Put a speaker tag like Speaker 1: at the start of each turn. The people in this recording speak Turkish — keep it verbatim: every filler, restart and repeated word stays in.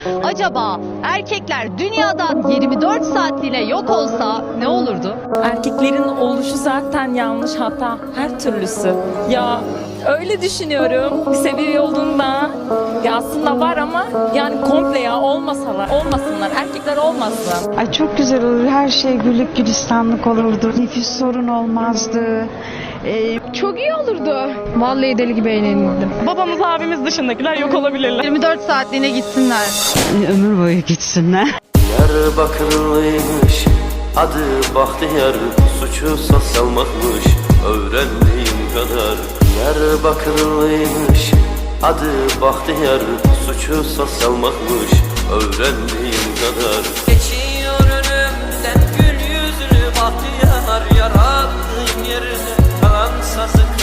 Speaker 1: Acaba erkekler dünyadan yirmi dört saatliğine yok olsa ne olurdu?
Speaker 2: Erkeklerin oluşu zaten yanlış, hata her türlüsü. Ya öyle düşünüyorum. Seviye yolunda ya aslında var ama yani komple ya olmasalar, olmasınlar. Erkekler olmasın.
Speaker 3: Ay çok güzel olur. Her şey güllük gülistanlık olurdu. Nefis sorun olmazdı. Ee,
Speaker 4: Çok iyi olurdu. Vallahi deli gibi eğlenirdim.
Speaker 2: Babamız, abimiz dışındakiler yok olabilirler.
Speaker 1: yirmi dört saatliğine gitsinler.
Speaker 3: ömür boyu gitsinler.
Speaker 5: Diyarbakırlıymış, adı Bahtiyar, suçu salmakmış, öğrendiğim kadar. Diyarbakırlıymış, adı Bahtiyar, suçu salmakmış, öğrendiğim kadar. Geçiyor önümden gül yüzlü Bahtiyar, yarattığım yerine kalan sazık